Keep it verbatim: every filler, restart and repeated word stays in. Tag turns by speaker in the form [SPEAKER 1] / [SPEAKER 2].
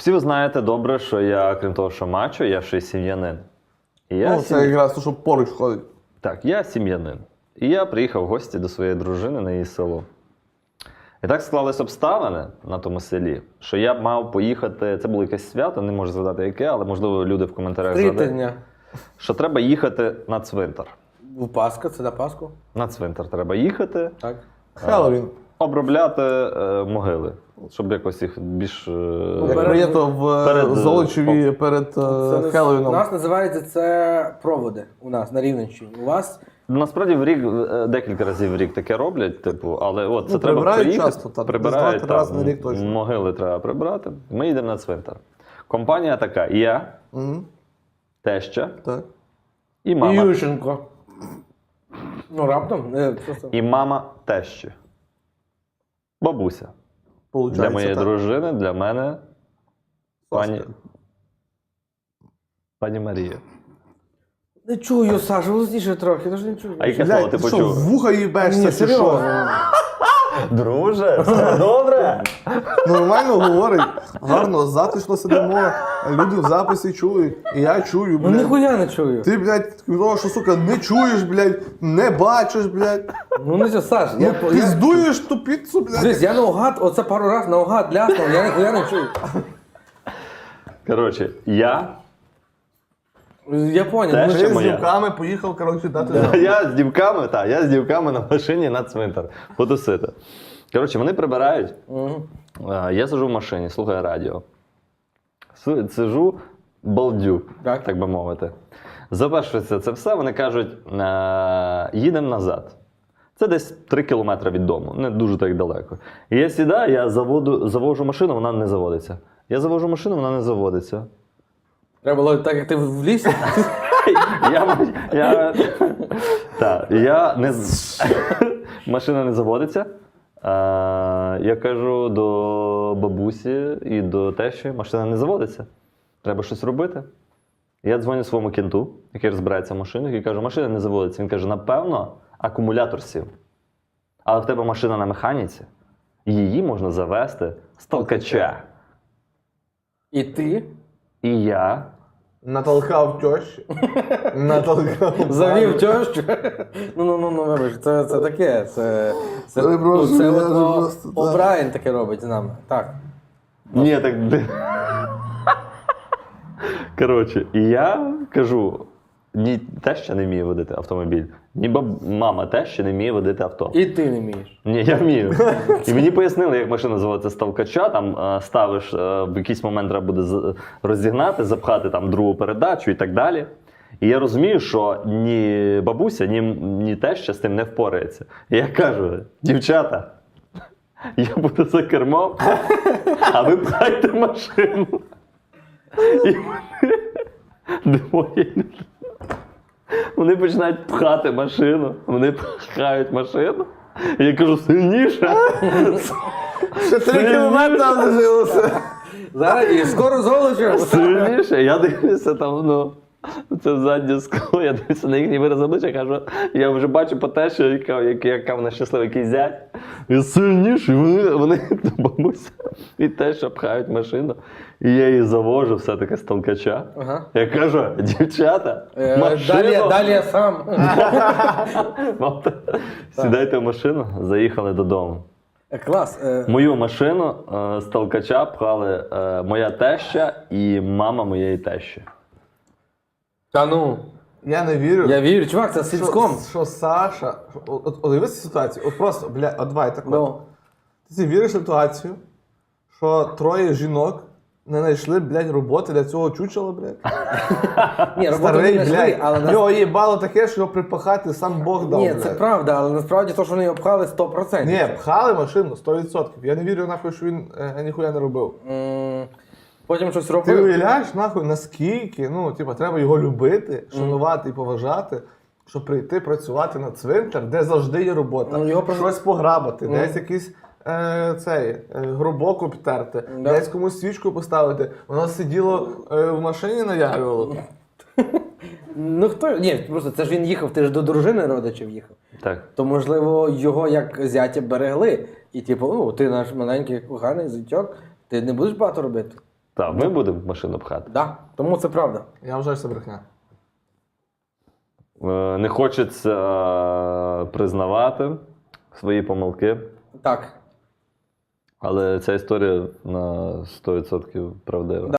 [SPEAKER 1] Всі ви знаєте добре, що я, крім того, що мачо, я ще й сім'янин. І я
[SPEAKER 2] Ну, це
[SPEAKER 1] сім'я...
[SPEAKER 2] якраз то, що поруч ходить.
[SPEAKER 1] Так, я сім'янин. І я приїхав в гості до своєї дружини на її село. І так склались обставини на тому селі, що я б мав поїхати, це було якесь свято, не можу згадати яке, але можливо люди в коментарях згадають,
[SPEAKER 3] Трітення.
[SPEAKER 1] що треба їхати на цвинтар.
[SPEAKER 3] В Пасха, це на Пасху?
[SPEAKER 1] На цвинтар треба їхати,
[SPEAKER 3] Так.
[SPEAKER 2] Хеллоуін.
[SPEAKER 1] обробляти е, могили, щоб якось їх більш... Е,
[SPEAKER 2] Як
[SPEAKER 3] перед-
[SPEAKER 2] прийнято в
[SPEAKER 1] перед,
[SPEAKER 2] Золочеві перед е,
[SPEAKER 3] Це нас-
[SPEAKER 2] Хеллоуіном.
[SPEAKER 3] У нас називається це проводи у нас на Рівненщині. У вас
[SPEAKER 1] Насправді в рік, е, декілька разів в рік таке роблять, типу, але от це
[SPEAKER 2] Ну,
[SPEAKER 1] треба
[SPEAKER 2] прибирають
[SPEAKER 1] приїхати,
[SPEAKER 2] часто, так,
[SPEAKER 1] прибирають,
[SPEAKER 2] десь два-три рази
[SPEAKER 1] так,
[SPEAKER 2] на рік точно.
[SPEAKER 1] могили треба прибрати, ми їдемо на цвинтар. Компанія така, я,
[SPEAKER 2] Мгм.
[SPEAKER 1] теща
[SPEAKER 2] Так.
[SPEAKER 1] і мама.
[SPEAKER 3] Ющенко. Ну, раптом. е, просто.
[SPEAKER 1] І мама тещі. Бабуся.
[SPEAKER 2] Получається,
[SPEAKER 1] Для моєї
[SPEAKER 2] так.
[SPEAKER 1] дружини, для мене пані,
[SPEAKER 2] Соска.
[SPEAKER 1] пані Марія.
[SPEAKER 3] Не чую, Саша, голосніше трохи, я ж не чую.
[SPEAKER 1] А яке слово
[SPEAKER 2] Блядь,
[SPEAKER 1] ти
[SPEAKER 2] ти що,
[SPEAKER 1] почув?
[SPEAKER 2] в вуха їбешся,
[SPEAKER 3] Ні,
[SPEAKER 2] чи що?
[SPEAKER 3] серйозно.
[SPEAKER 1] Друже, все добре?
[SPEAKER 2] Нормально говорить, гарно, затишно сидимо, люди в записі чують, і я чую,
[SPEAKER 3] Ну
[SPEAKER 2] блядь.
[SPEAKER 3] ніхуя не чую.
[SPEAKER 2] Ти, блядь, того, що, сука, не чуєш, блядь, не бачиш, блядь.
[SPEAKER 3] Ну не що, Саш,
[SPEAKER 2] Ну,
[SPEAKER 3] я, я,
[SPEAKER 2] піздуєш ту піцу, блядь.
[SPEAKER 3] Дивись, я наугад, оце пару раз наугад ляснув, я ніхуя не чую.
[SPEAKER 1] Коротше, я,
[SPEAKER 3] Я поняв.
[SPEAKER 1] Те,
[SPEAKER 3] ну,
[SPEAKER 1] що
[SPEAKER 2] Ти з
[SPEAKER 1] моя.
[SPEAKER 2] дівками поїхав, коротше, дати.
[SPEAKER 1] я з дівками, так, я з дівками на машині на цвинтар потусити. Коротше, вони прибирають.
[SPEAKER 3] Мгм.
[SPEAKER 1] А, Я сиджу в машині, слухаю радіо. Си- Сиджу, балдю,
[SPEAKER 3] Так.
[SPEAKER 1] так би мовити. Завершується це все, вони кажуть, е, їдемо назад. Це десь три кілометри від дому, не дуже так далеко. І я сідаю, я заводу, завожу машину, вона не заводиться. Я завожу машину, вона не заводиться.
[SPEAKER 3] Треба було так, як ти в лісі.
[SPEAKER 1] Я, я, та, я не, з- машина не заводиться. А, я кажу до бабусі і до тещі, машина не заводиться. Треба щось робити. Я дзвоню своєму кінту, який розбирається в машинах, і кажу, машина не заводиться. Він каже, напевно, акумулятор сів. Але в тебе машина на механіці, її можна завести з толкача.
[SPEAKER 3] І ти
[SPEAKER 1] І я
[SPEAKER 2] Натолкав тещі. Натолкав.
[SPEAKER 3] завів тещу. Ну, ну, ну, ну, вибач, це, це таке. Це, це,
[SPEAKER 2] Це
[SPEAKER 3] ну,
[SPEAKER 2] просто,
[SPEAKER 3] це
[SPEAKER 2] я
[SPEAKER 3] от,
[SPEAKER 2] ж
[SPEAKER 3] о,
[SPEAKER 2] просто, так.
[SPEAKER 3] О'Брайен таке робить з нами. Так.
[SPEAKER 1] Ні, так. де- Коротше, і я кажу: ні теща не вміє водити автомобіль, ні баб... мама теща не вміє водити авто.
[SPEAKER 3] І ти не вмієш.
[SPEAKER 1] Ні, я вмію. І мені пояснили, як машина заводиться з толкача, там е, ставиш, е, в якийсь момент треба буде з- розігнати, запхати там другу передачу і так далі. І я розумію, що ні бабуся, ні, ні теща з тим не впорається. І я кажу: дівчата, я буду за кермом, а ви пхайте машину. І вони двоє. Вони починають пхати машину, вони пхають машину. І я кажу, сильніше.
[SPEAKER 2] Ще три кілометри лишилося.
[SPEAKER 3] Зараз і скоро золочу.
[SPEAKER 1] Сильніше. Я дивлюся там, ну, це заднє скло, я дивлюся на їхній вираз обличчя, кажу, я вже бачу по те, що яка, яка, яка вона щаслива, який зять. І сильніше, вони, вони бабуся і те, що пхають машину. І я її завожу все-таки з толкача.
[SPEAKER 3] Ага.
[SPEAKER 1] Я кажу, дівчата,
[SPEAKER 3] Е,
[SPEAKER 1] машину.
[SPEAKER 3] Далі, далі я сам.
[SPEAKER 1] Мамта, сідайте в машину, заїхали додому.
[SPEAKER 3] Е, Клас. Е,
[SPEAKER 1] Мою машину е, з толкача пхали е, моя теща і мама моєї тещі.
[SPEAKER 3] Та ну,
[SPEAKER 2] Я не вірю.
[SPEAKER 3] я вірю, чувак, це сільськом.
[SPEAKER 2] Що, що Саша. що- От, от, от дивись ситуацію. От просто, бля, от давай так. от.
[SPEAKER 3] Ну.
[SPEAKER 2] Ти собі віриш в ситуацію, що троє жінок не знайшли, блядь, роботи для цього чучела, блядь.
[SPEAKER 3] Ні, роботу не
[SPEAKER 2] Старий,
[SPEAKER 3] знайшли,
[SPEAKER 2] блядь.
[SPEAKER 3] але нас...
[SPEAKER 2] Його їбало таке, що його припахати сам Бог дав,
[SPEAKER 3] Ні,
[SPEAKER 2] блядь.
[SPEAKER 3] це правда, але насправді то, що вони його пхали сто відсотків.
[SPEAKER 2] Ні, пхали машину сто відсотків. Я не вірю, нахуй, що він е, ніхуя не робив.
[SPEAKER 3] М, Потім щось
[SPEAKER 2] Ти
[SPEAKER 3] робив.
[SPEAKER 2] уявляєш, нахуй, наскільки, ну, типа, треба його любити, шанувати і поважати, щоб прийти працювати на цвинтар, де завжди є робота.
[SPEAKER 3] Ну, його просто-
[SPEAKER 2] Щось пограбати,
[SPEAKER 3] Ну.
[SPEAKER 2] десь якийсь е, цей, е, гробок обтерти,
[SPEAKER 3] Да.
[SPEAKER 2] десь комусь свічку поставити. Воно сиділо е, в машині наявлювало.
[SPEAKER 3] Ну хто? Ні, просто це ж він їхав, ти ж до дружини родичів їхав.
[SPEAKER 1] Так.
[SPEAKER 3] То, можливо, його як зятя берегли. І типу, ну, ти наш маленький коханий зятьок, ти не будеш багато робити.
[SPEAKER 1] Так, ми будемо машину пхати.
[SPEAKER 3] Да. Тому це правда.
[SPEAKER 2] Я вважаю, що це брехня.
[SPEAKER 1] Е, Не хочеться е, признавати свої помилки,
[SPEAKER 3] Так.
[SPEAKER 1] але ця історія на сто відсотків правдива.